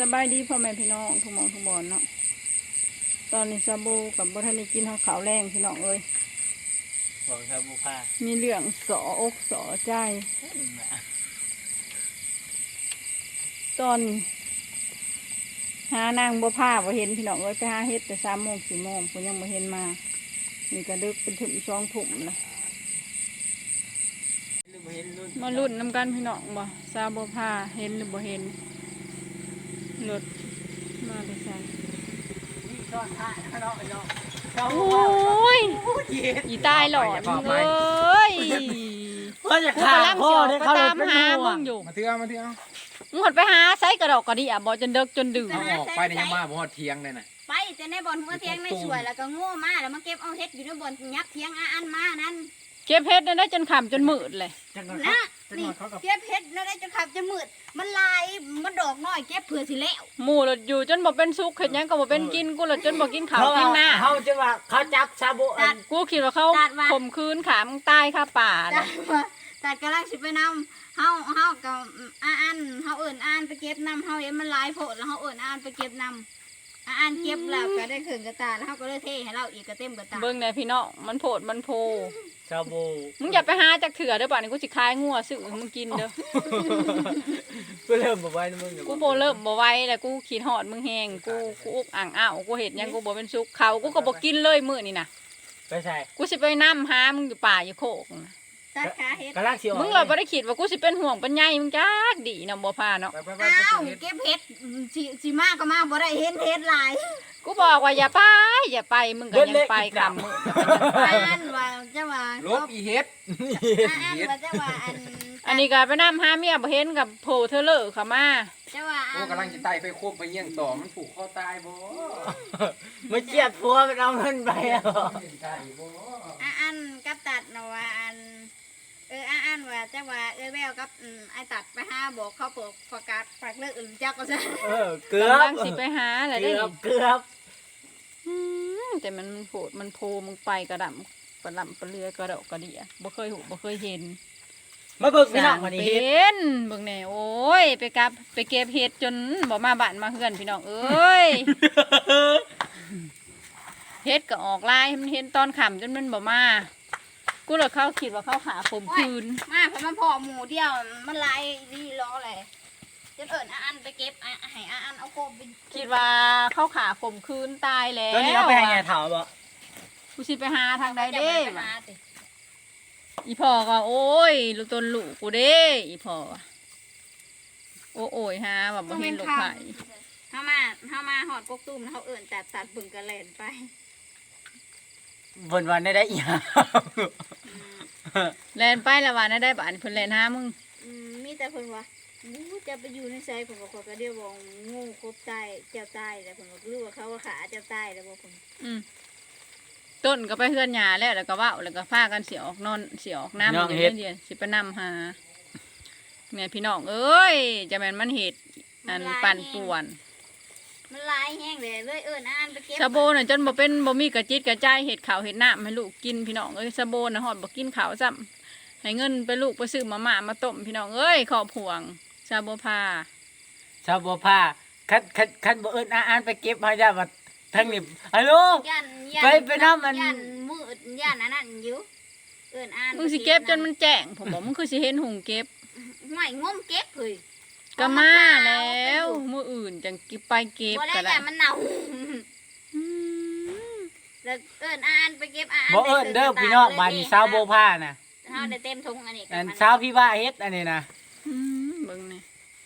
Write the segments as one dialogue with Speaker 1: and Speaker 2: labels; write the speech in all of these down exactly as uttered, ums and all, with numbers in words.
Speaker 1: สบายดีพ่อแม่พี่น้องทุกหมองทุกบอนเนาะตอนนี้ซาบูกับบัทันได้กินข้าวขาวแรงพี่น้องเอ้ย
Speaker 2: บอกซาบูผ้า
Speaker 1: มีเรื่องสออกสอใจตอนหานางบัวผ้าบ่เห็นพี่น้องเอ้ยไปหาเฮ็ดแต่สามโมงสี่โมงผมยังบ่เห็นมานี่ก็ดึกเป็นถึงช่องถุ่มเลยมาลุ้นน้ำกันพี่น้องบ่ซาบัวผ้าเห็นหรือบ่เห็นรถมาไปใส่โอ้ยอีตายหลอดเอ้ย
Speaker 2: ก็จะขาดพ่อได้เขาเลยเป็นห่วง
Speaker 1: อยู่
Speaker 3: มาเที่ยวมาเที่ยว
Speaker 1: มึงหดไปหาไซกระดอกกระดิ่อ่ะบอกจนเดิกจนดื่ม
Speaker 3: เอาออกไปในยามมาบ่ฮอดเที่ยงเลยน่ะ
Speaker 4: ไปแต่ในบ่อนหัวเทียงในสวยแล้วก็โง่มาแล้วมาเก็บเอาเฮ็ดอยู่ในบ่อนยับเทียงอันมานั่น
Speaker 1: เก็บเฮ็ดได้จนขำจนมืดเลย
Speaker 4: นะนี่เก็บเฮ็ดได้จนขำจนมืดมันลายมันดอกน้อยเก็บเผื่อสิแล้ว
Speaker 1: หมู่หลดอยู่จนบ่เป็นซุกเห็ดยังก็บ่เป็นกินกูหลดจนบ่กินข้าวกินหน้า
Speaker 2: เขาจะว่าเขาจับซาบู
Speaker 1: กูคิดว่าเขาข่มคืนขามึงตายคาป่า
Speaker 4: ตัดกำลังสิไปนำเฮาเฮากับอ่านเฮาเอิ่นอ่านไปเก็บนำเฮาเห็นมันลายโพดแล้วเฮาเอิ่นอ่านไปเก็บนำอ่านเก็บแล้วก็ได้ขึ้นกระตาแล้วเฮาก็เลยเทให้เราอีกกระเต็มกระตา
Speaker 1: เบิ่งแน่พี่น้องมันโพดมันโพ
Speaker 2: ซาบู
Speaker 1: มึงอย่าไปหาจักเถื่อเด้อป่านนี้กูสิคายงัวซื้อมึงกินเด้อ
Speaker 2: กูเริ่มบ่ไหวนะมึง
Speaker 1: กูบ่เริ่มบ่ไหวแล้วกูขี้หอดมึงแห้งกูกูอุกอ่างอ้าวกูเห็ดยังกูบ่เป็นซุกเขากูก็บ่กินเลยมื้อนี่น่ะ
Speaker 2: ไปใช่
Speaker 1: กูสิไปนำหามึงอยู่ป่าอยู่โคกนะ
Speaker 4: ตัดขาเฮ็ด
Speaker 1: มึงเราบ่ได้คิดว่ากูสิเป็นห่วงเป็นใยมึงจักดีนำบ่พาเนาะ
Speaker 4: อ้าวเก็บเฮ็ดสิสิมาก็มาบ่ได้เห็นเฮ็ดหลาย
Speaker 1: กูบอกว่าอย่าไปอย่าไปมึงก็ยังไปคำมึง
Speaker 4: อันว่าจะว่า
Speaker 3: ลบอีเฮ็ด
Speaker 4: อันว่าจะว่าอัน
Speaker 1: อันนี้ก็ไปนำหาเมียบ่เห็นกับโผล่เธอเลอะเข้ามา
Speaker 4: จะว่า
Speaker 3: โอ้กำลังจะไต่ไปควบไปเยี่ยงต่อมันผูกคอตายบ่
Speaker 2: มาเจียดพัวมันเอาเงินไปอ่ะ
Speaker 4: อันกับตัดนะว่าอันเอออันว่าจะว่าเออแววกับไอ้ตัดไปหาบอกเขาเปิดประกาศฝากเลิกอื่นจักก็ซะ
Speaker 2: เออเกือบ
Speaker 1: สิไปหาอะไรได้
Speaker 2: เกือบ
Speaker 1: แต่มันโผล่มันโพมึงไปกระดำกระดำกระเรือกระดอกกระเดียบ่เคยหูบ่เคยเห็น
Speaker 2: มาเบิกพี่น้องวันนี้
Speaker 1: เห็นเบิ่งแน่โอ้ยไปกับไปเก็บเห็ดจนบ่มาบ้านมาเฮือนพี่น้องเอ้ยเห็ดก็ออกลายมันเห็นตอนค่ำจนมันบ่มากูเลยเขาคิดว่าเขาหาคมคืน
Speaker 4: มาเพราะมันพอหมูเดียวมันลายดีล้อเลยจะเอิญอันไปเก็บให้อันเอาโคมไป
Speaker 1: คิดว่าเขาขาคมคืนตายแล้ว
Speaker 2: ตอนนี้เราไปหาไงถามบ่
Speaker 1: กูสิไปหาทางใดเด้อีพ่อก็โอ้ยลูกตนลูกกูเด้อีพ่อโอ้โอ้ยฮะแบบบ่เห็นลูกไผ่
Speaker 4: เข้ามาเข้ามาหอดกกตุ้มเขาเอิญตัดตัดบึงกระเลนไป
Speaker 2: วันวันได้ได้อีก
Speaker 1: แลนไปละวันได้บ้านเพิ่นแลนหามึง
Speaker 4: มีแต่เพิ่นว่างูจะไปอยู่ในไซผมก็ก็เดียวบอกงูครบตายเจ้าตายแล้วผมก็รู้ว่าเขาว่าขาเจ้าตายแล้วบอกผม
Speaker 1: อืมต้นก็ไปเฮือนหญ้าแล้วแล้วก็ว่าวแล้วก็พากันเสียออกนอนเสียออกน้ำอย่างนี้เดียวสิไปนำหาแม่พี่น้องเอ้ยจะแม่นมันเห็ดอันปั่นป่วน
Speaker 4: มันลายแห้งเลยเลยเอิญอ่านไปเก็บ
Speaker 1: ซาโบน่ะจนบ่เป็นบ่มีกระจิตกระจายเห็ดข้าวเห็ดน้ำให้ลูกกินพี่น้องเอ้ยซาโบน่ะฮอดบ่กินข้าวซ้ำให้เงินไปลูกไปซื้อมาม่ามาต้มพี่น้องเอ้ยขอบห่วงซาโบพา
Speaker 2: ซาโบพาคันคันคันบ่เอิญอ่านไปเก็บให้ได้ว่าทั้งนี้ฮัลโหลไปไปน้ำมัน
Speaker 4: ย่านมืดย่านนั้นอยู่เอิญอ่าน
Speaker 1: มึงสิเก็บจนมันแจ้งผมบอกมึงคือสิเห็นหุงเก็บ
Speaker 4: ไม่งมเก็บเลย
Speaker 1: ก็มาแล้วมืออื่นจังกิไปเก็บ
Speaker 4: ก็ได้มันเน่าแล้วเอิญอ่านไปเก็บอ่าน
Speaker 2: บ่เอิญเด้อพี่น้องบ้านนี้ซาวโบผ้านะ
Speaker 4: เฮาได้เต็มถุงอันนี้
Speaker 2: อันซาวพี่ว่าเฮ็ดอันนี้นะ
Speaker 1: เบิ่งนี่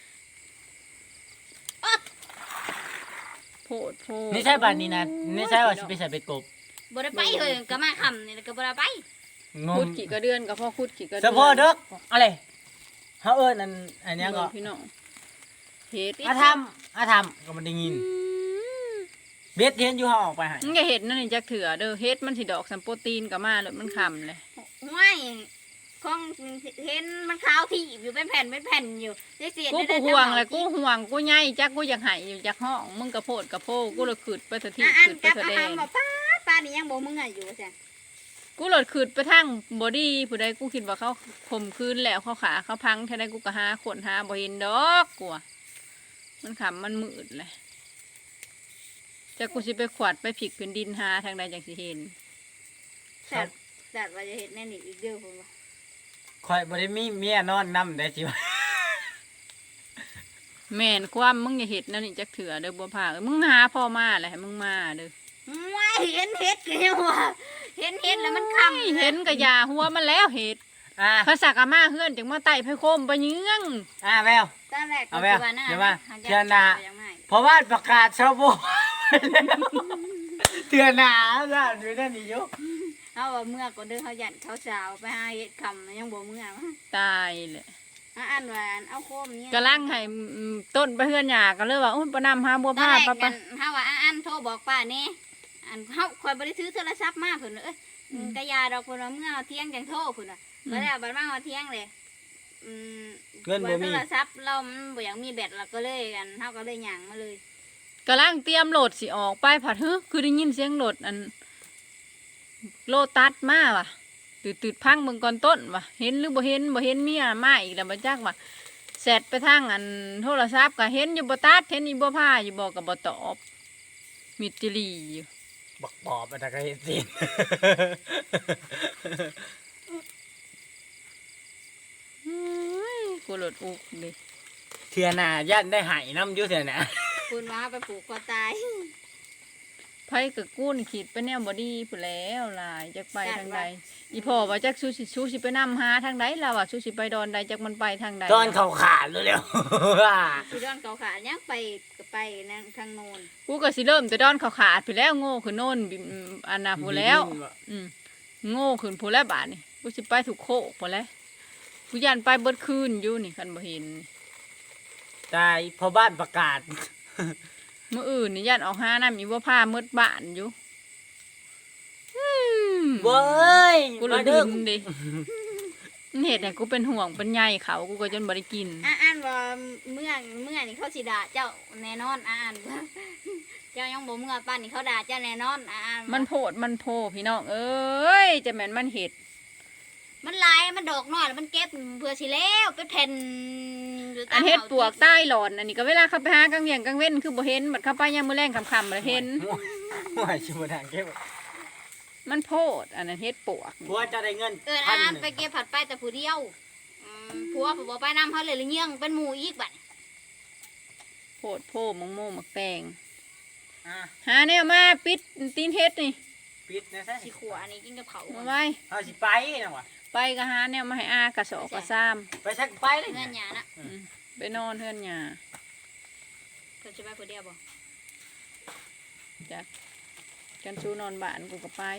Speaker 1: โพดโพด
Speaker 2: นี่ใช่บ้านนี้นะนี่ใช่ว่าสิไปใส่เป็ดกบ
Speaker 4: บ่ได้ไปเฮ้ยก็มาค่ำนี่ก็บ่ได้ไป
Speaker 1: ขุดกี่กระเดือนก็พอขุดกี่กระเดือน
Speaker 2: เฉพาะเด้ออะไรเฮาเอิญอันอันนี้ก็
Speaker 1: พี่น้องเฮ็ด
Speaker 2: อาทำอาทำก็มันได้ยินเบ็ดเห็นอยู่ห่อออกไปหาย
Speaker 1: มึงอย่าเห็ดนั่นนี่จักเถื่อเด้อเฮ็ดมันสิดอกสัมโปรตีนกับมาเลยมันคำเลย
Speaker 4: ไม่ของเห็นมันขาวที่อยู่เป็นแผ่นเป็นแผ่นอยู่
Speaker 1: กูกูห่วงเลยกูห่วงกูใหญ่จักกูอยากหายอยู่จากห้องมึงกระโพดกระโพกูเลยขืดไปสักทีขืดไปแสดง
Speaker 4: ป้าป้านี่ยังบอกมึงไงอยู่ใช่
Speaker 1: กูหลดขืดไปทั้งบอดี้ผู้ใดกูคิดว่าเขาข่มคืนแล้วเขาขาเขาพังแค่ใดกูก็หาขนหาบ่เห็นดอกกูมันขำมันมืดเลยจะกูสิไปขวดไปผิกพื้นดินหาทางใดจังสิเห็น
Speaker 4: แต่แต่ว่าจะเห็นแน่นี่อีกเด้อผมว่า
Speaker 2: ข่อยบ่ได้มีเมียนอนนำได้สิว่า
Speaker 1: แม่นความมึงอย่าเห็ดนั่นนี่จักเถื่อเด้อบัวผ้าเอ้ยมึงหาพ่อมาแหละให้มึงมาเด้อ
Speaker 4: ไม่เห็นเห็ดกันยังว่าเห็นเห็ดแล้วมันคำ
Speaker 1: เห็นกะยาหัวมันแล้วเห็ด
Speaker 2: อ่า
Speaker 1: ภาษากะมาเฮือนจังมาไต่ไผโคมไปเยื้อง
Speaker 2: อ่าแวว
Speaker 4: ตอนแรกก็
Speaker 2: เอาแม่
Speaker 4: คือว่าหน้า
Speaker 2: เดี๋ยวมา
Speaker 4: หงจก
Speaker 2: เชื่อหน้า
Speaker 4: ยังไม่
Speaker 2: เพราะว่าประกาศชาวโบเตือนหนาจ้ะอยู่นั่นนี่อยู่
Speaker 4: เขาว่าเมื่อก็เดินเขาหยันเขาสาวไปหาเห็ดคำยังบ่เมื่อวะ
Speaker 1: ตายเลย
Speaker 4: อ่ะอันว่าอันเอาโคมเนี่ย
Speaker 1: กะลังให้อืมต้นไปเฮือนหยาก็เลยว่าอุ้ยปะนำหาบัว
Speaker 4: ตอน
Speaker 1: ผ้า
Speaker 4: แรก
Speaker 1: ปะ
Speaker 4: กั
Speaker 1: ปะ
Speaker 4: นเขาว่าอ่ะอันโทรบอกป้านี่อันเขาคอยบริถือโทรศัพท์มาเพิ่นว่าเอ้ยกะยาดอกเพิ่นว่าเมื่อเอาเที่ยงจังโทรเพิ่นว่าบ่ได้เอาบัดมาเอาเที่ยงเลยอืม
Speaker 2: เงินบ่
Speaker 4: โท
Speaker 2: มี
Speaker 4: รศัพท์เรามันบ่อยากมีแบตเราก็เลยกันเฮาก็เลยหยั่งมาเลย
Speaker 1: กะลังเตรียมโหลดสิออกไปผัดฮึคือได้ยินเสียงโหลดอันโลตัสมาว่ะตืดตืดพังเบิ่งก่อนต้นว่ะเห็นหรือบ่เห็นบ่เห็นเมียมาอีกแล้วบ่จักว่ะแซดไปทางอันโทรศัพท์ก็เห็นอยู่บ่ตัดเห็นอีบ่ผ้าอยู่บ่ก็บ่ตอบมิดจิลีอยู่
Speaker 2: บักปอบอะไรก็เห็นสิ
Speaker 1: เฮ้ยกูโหลดอุกดิ
Speaker 2: เทื่อหนาย่านได้หายน้ำอยู่เทื่อหนา
Speaker 4: คุณว่าไปปลูกคอตาย
Speaker 1: ไผกับกูนี่คิดไปแนวบ่ดีพู้นแล้วหลายจักไปทางใดอีพ่อว่าจักสู้สิสู้สิไปนำหาทางใดล่ะว่าสู้สิไปดอนใดจักมันไปทางใด
Speaker 2: ตอนเขาขาดเร็วๆ
Speaker 4: สิดอนเขาขายังไปก็ไปนั่นทางโน้น
Speaker 1: กูก็สิเริ่มแต่ดอนเขาขาดไปแล้วโง่ขึ้นโน่นบิอืมอันน่ะพู้นแล้ว อืมโง่ขึ้นพู้นแล้วบาดนี่กูสิไปถูกโคกพู้นแล้วกูยันไปเบิดคืนอยู่นี่คันบ่เห็น
Speaker 2: ตายพอบ้านประกาศ
Speaker 1: มื้ออื่นนี่ยันออกหาน้ำอีบ่พาหมดบ้านอยู่อืม
Speaker 2: เว้ย
Speaker 1: กูเลยดินดิมันเฮ็ดให้กูเป็นห่วงเป็นใยเขากูก็จนบ่ได้กิน
Speaker 4: อ่ะอ่านว่าเมื่อเมื่อนี่เขาสิด่าเจ้าแน่นอนอ่ะอ่านว่าเจ้ายังบ่เมื่อป้านนี่เขาด่าเจ้าแน่นอนอ่ะอ่าน
Speaker 1: มันโพดมันโพพี่น้องเอ้ยจะแม่นมันเฮ็ด
Speaker 4: มันลายมันดอกน้อยแล้วมันเก็บเพื่อสิแล้วเป็นแผ่นยู่ตาม
Speaker 1: อันเฮ็ดปวก
Speaker 4: อา
Speaker 1: ใต้หลอนอันนี้ก็เวลาเขาไปหากลางเวียงกลางเว้นคือบ่เห็นบัดเข้าไปยามมื้อแลงค่ำๆแล้วเห็น
Speaker 2: หัวชิบะทางเก็บ
Speaker 1: มันโพดอันนั้นเฮ็ดปวก
Speaker 2: ผัวจะได้เงิน
Speaker 4: เออ
Speaker 2: พั
Speaker 4: อ่าน น
Speaker 2: หนึ่ง
Speaker 4: ไปเก็บผัดไปแต่ผู้เดียวอืมผัวผู้บ่ไปนำเขาเลยเลยเงี้ยงเป็นหมู่อีกบัด
Speaker 1: โพดโพมังโมมักแตง
Speaker 2: อ่ะ
Speaker 1: หาแนวมาปิดตีนเฮ็ดนี่
Speaker 2: ปิดนะซะ
Speaker 4: สิขัวอันนี้กินกับเขา
Speaker 1: มาไว้
Speaker 2: เอาสิไปจังหวะ
Speaker 1: ไปก็หาแนวมาให้อากระสอบกระซ้ำ
Speaker 2: ไปสักไปเลย
Speaker 4: เงินหยานะ
Speaker 1: อืมไปนอนเฮือนหญ้า
Speaker 4: เพิ่นสิไปผู้เดียวบ่
Speaker 1: จ้ะกันชูนอนบ้านกูก็ไป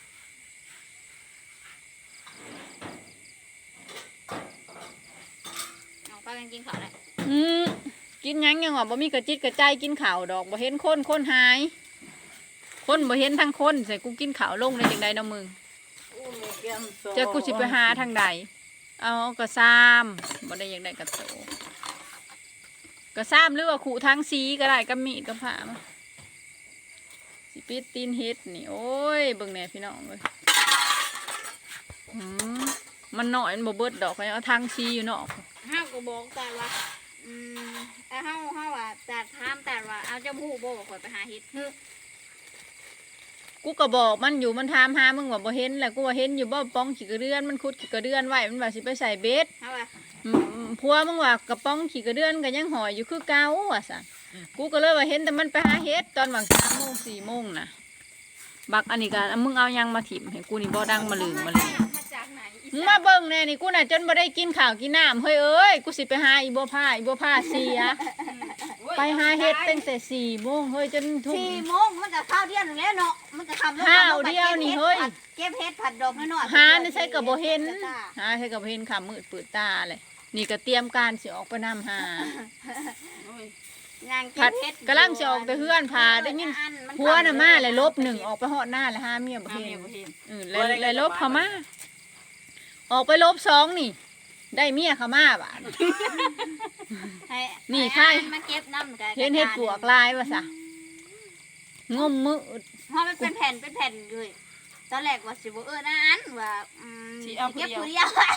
Speaker 4: เอาไปกันกินข้าวได้
Speaker 1: อืมกินหยังยังว่าบ่มีกระจิตกระใจกินข้าวดอกบ่เห็นคนคนหาย คนบ่เห็นทั้งคนใส่กูกินข้าวลงได้จังใดเนาะมึงจะกูสิไปหาทางใดเอากระซ้ำบ่ได้อยากได้กระโตกระซ้ำหรือว่าขู่ทางสีก็ได้กับมีดกับผ้ามาสิปิดตีนเฮ็ดนี่โอ้ยเบิ่งแหน่พี่น้องเอ้ยอืมมันน้อยมันบ่เบิดดอกให้เอาทางสีอยู่เนาะ
Speaker 4: เฮาก็บอกแต่ว่าอืมแต่เฮาเฮาว่าแต่ถามแต่ว่าเอาเจ้าผู้บ่ข่อยไปหาเฮ็ดฮึ
Speaker 1: กูก็บอกมันอยู่มันถามหามึงว่าบ่เห็นแหละกูว่าเห็นอยู่บ่ป้องขี้กระเดือนมันขุดขี้กระเดือนไว้มันว่าสิไปใส่เบ็ด
Speaker 4: เฮาว่า
Speaker 1: อืมพัวมึงว่ากระป้องขี้กระเดือนก็ยังห่อยอยู่คือเก่าว่าซั่นกูก็เลยว่าเห็นแต่มันไปหาเห็ดตอนหวังสามโมงสี่โมงน่ะบักอันนี้ก็อ่ะมึงเอายังมาถิ่มให้กูนี่บ่ดังมาลืมมาเลย
Speaker 4: มาจากไหนอี
Speaker 1: มึง
Speaker 4: สา
Speaker 1: มาน เบิ่งแน่นี่กูน่ะจนบ่ได้กินข้าวกินน้ำเฮ้ยเอ้ยกูสิไปหาอีบัวผ้าอีบัวผ้าเสียไปหาเห็ดตั้งแต่สี่โมงเฮ้ยจนทุ่ม
Speaker 4: สี่โมงมันก็ข้าวเดียวนึงแล้วเนาะมันก็ทำ
Speaker 1: ข้าวเดียวนี่เฮ้ย
Speaker 4: เก็บเฮ็ดผัดดอกน้อยๆ
Speaker 1: หานี่ใช่กับโบเห็นหาใช่กับโบเห็นขามืดปืดตาเลยนี่ก็เตรียมการสิออกไปนำหา
Speaker 4: งาน
Speaker 1: ผั
Speaker 4: เก็
Speaker 1: ด
Speaker 4: บเฮ็ด
Speaker 1: กำลังจะออกแต่เฮือนพาได้ยินหัวน่ะมาเลยลบหนึ่งออกไปหอดหน้าเลยห้าเมียบ่เห็นเออเลยเลยลบเขามาออกไปลบสองนี่ ได้เมียเขามาบ้าน
Speaker 4: ให้
Speaker 1: นี่
Speaker 4: ให้
Speaker 1: ใช่
Speaker 4: มาเก็บน้ำกัน
Speaker 1: เห็นเห็ดปวกลายว่าซะงมมือ
Speaker 4: เพราะมันเป็นแผ่นเป็นแผ่นเลยตอนแรกว่าสิบ่เออนะอันว่าอืม
Speaker 1: สิเอาผู้
Speaker 4: เก็บ
Speaker 1: เดียว
Speaker 4: ผู้เดียว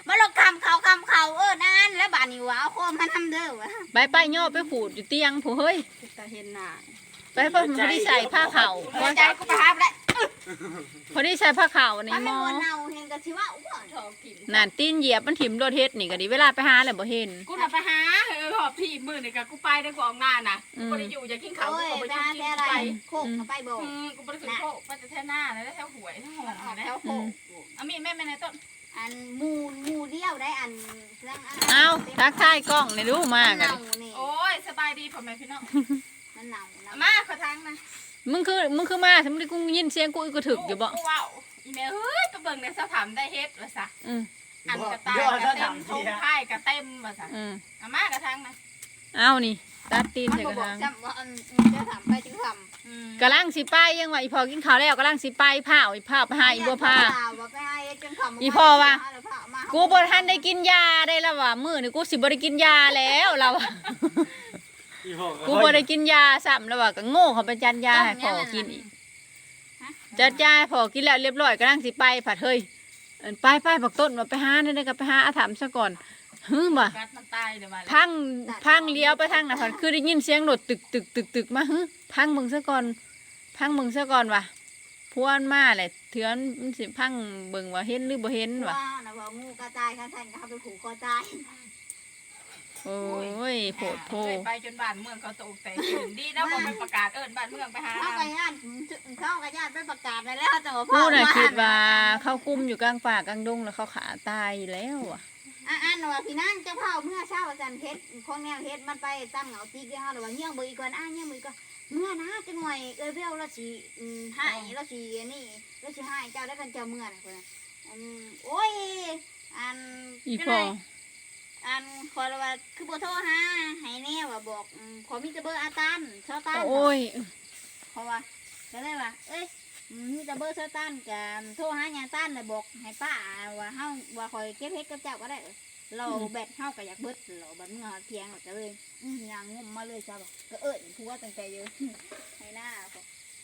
Speaker 4: มาลงคำเขาคำเขาเออนั่นแล้วบ้านนี้ว่าเอาโคมมาทำเด้อวะ
Speaker 1: ไปไปย่อไปขูดอยู่เตียงผู้เฮ้ย
Speaker 4: ตาเห็นหน้า
Speaker 1: ไปเพิ่นพอดีใส่ผ้าขาว
Speaker 4: หัวใจกูไปหาบแล้ว
Speaker 1: พอดีใส่ผ้าขาวนี่
Speaker 4: มัน
Speaker 1: หม
Speaker 4: ไม่
Speaker 1: อ
Speaker 4: มวนเน่าเห็นกะทิว่าอุ้ยถอกิน
Speaker 1: นั่นตีนเหยียบมันถิ่มโดดเฮ็ดนี่ก็ดีเวลาไปหาแล้วบ่เห็น
Speaker 5: กูน่ะไปหาเออหอบพี่มือนี่กับกูไปได้กูออกหน้าน่ะกูบ่ได้อยู่อยากกินข้าว
Speaker 4: โอ้
Speaker 5: กู
Speaker 4: ย
Speaker 5: ก็บ่
Speaker 4: ไป
Speaker 5: อยู่
Speaker 4: หา
Speaker 5: กิน
Speaker 4: แต่อะไร
Speaker 5: ไป
Speaker 4: โคกมาไปบอก
Speaker 5: อืมกูบ่ได้ขึ้นโคกไปแต่แถวหน้าแล้วแถวหวยทั้งหอ
Speaker 4: มันออก
Speaker 5: นะ
Speaker 4: แถวโคก
Speaker 5: เอามีแม่แม่ในต้น
Speaker 4: อันหมูหมูเดียวได้อันเรื่องน
Speaker 1: เอาทักทายกล้องนี่ดูมาก
Speaker 4: มัน
Speaker 1: อะ
Speaker 4: เน่านี่
Speaker 5: โอ้ยสบายดีพ่อแม่พี่น้อง
Speaker 4: มันเน่า
Speaker 5: เอา
Speaker 4: เน่า
Speaker 5: มาขอทางนะ
Speaker 1: มึงคือมึงคือมาสมมุติกูยินเสียงกูอีกก็ถึกอยู่บ่
Speaker 5: กูว้าวอีแม่เฮ้ยไปเบิ่งในสถานได้เฮ็ดว่าซะ
Speaker 1: อืม
Speaker 5: อันกระต่ายกระเต็มทงไข่กระเต็มว่าซะ
Speaker 1: อืม
Speaker 5: เอามากระทางนะ
Speaker 1: เอานี่ตัดตีน
Speaker 4: มัน
Speaker 1: ใส่
Speaker 4: บ
Speaker 1: กระ
Speaker 4: บอก
Speaker 1: ถาง
Speaker 4: จำว่าอันจะถามไปจึงทำ
Speaker 5: อืม
Speaker 1: กำลังสิไปยังว่าอีพอกินข้าวแล้วกำลังสิไปผ้าอีผ้าไปหาอีบัวผ้า
Speaker 4: ไปให้จนคำ
Speaker 1: อีพ่อว่ะ กูบ่ทันได้กินยาได้แล้วว่ะมื้อนี่กูสิบ่ได้กินยาแล้วเราอะกูบ่ได้กินยาซ้ำแล้วว่ะก็โง่เขาไปจัดยาให้พ่อกินอีกจัดยาให้พ่อกินแล้วเรียบร้อยกำลังสิไปผัดเฮ้ยเอิ้นไปไปบักต้นว่าไปหาได้ได้ก็ไปหาอาถามซะก่อนฮึบ่
Speaker 5: กัดมันตายเดี๋ยวมาแล้ว
Speaker 1: พังพังเลี้ยวไปทางน่ะผัดคือได้ยินเสียงรถตึกตึกตึกตึกมาฮึพังมึงซะก่อนพังมึงซะก่อนว่ะพวนมาแหละเถือนมันสิพังเบิ่งว่าเห็นหรือบ่เห็นว่ะ
Speaker 4: ว่านะว่างูกระต่ายข้างท่านก็เขาไปขู่คอตาย
Speaker 1: โอ้ยโผดโพ
Speaker 5: เคยไปจนบ้านเมืองเขาตกแต่ตื่นดีนะผมไปประกาศเอิ้นบ้านเมืองไปหา
Speaker 4: เขากระยานเขากระยานไปประกาศไปแล้วแต่ว่าพ่อ
Speaker 1: ผู้น่ะ
Speaker 4: ว่า
Speaker 1: คิดว่าเขากุมอยู่กลางป่ากลางดงแล้วเขาขาตายแล้วอ่ะ
Speaker 4: อ่ะอันว่าพี่นั่นเจ้าเผาเมื่อเช้าอาจารย์เพชรของแนวเพชรมันไปตั้งเหงาตีกี่ห้าหรือว่าเงี้ยงเบอร์อีกก่อนอ่ะเงี้ยงเบอร์อีกก่อนเมื่อนะจังหน่อยเออเบลเราสีหายเราสีนี่เราสีหายเจ้าได้กันเจ้าเมื่อนะคนน่ะอันโอ้ยอัน
Speaker 1: อีพอ
Speaker 4: อันขอว่าคือโบโทรหาให้แน่ว่าบอกอืมขอมีแต่เบอร์อาตันชอตัน
Speaker 1: โอ้ย
Speaker 4: เพราะว่าก็เลยว่าเอ้ยอืมมีแต่เบอร์ชอตันกับโทรหาญาตันเลยบอกให้ป้าว่าเฮาว่าคอยเก็บเพชรกับเจ้าก็ได้เราแบตเฮาก็อยากเบิดเราบัดเมื่อเที่ยงก็เลยอื้อยางงมมาเลยจ้าบอกก็เอิ้นผัวตั้งแต่อยู่ ให้หน้าบอก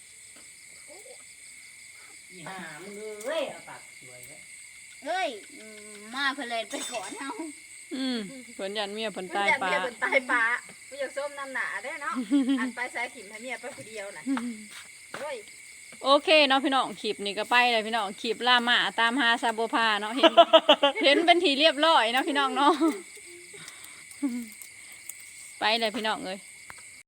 Speaker 2: อีห่ามึงเอ้ยเอาปากสวยเลย
Speaker 4: เอ้ยอืมมาเพื่อเลยไปก่อนเฮา
Speaker 1: อืมเพิ่นยันเมียเพิ่นตาย
Speaker 5: อยาก
Speaker 1: ป่า
Speaker 5: เมียเป็นตายป่าไม่อยากส้มน้ำหนาได้เนาะ อันไปสายขิมให้เมียไปคนเดียวน่ะโอ้ย
Speaker 1: โอเคเนาะพี่น้องคลิปนี่ก็ไปเลยพี่น้องคลิปล่าหมาตามหาซาโบพาเนาะเห็น เห็นเป็นทีเรียบร้อยเนาะพี่น้องเนาะไปเลยพี่น้องเอ้ย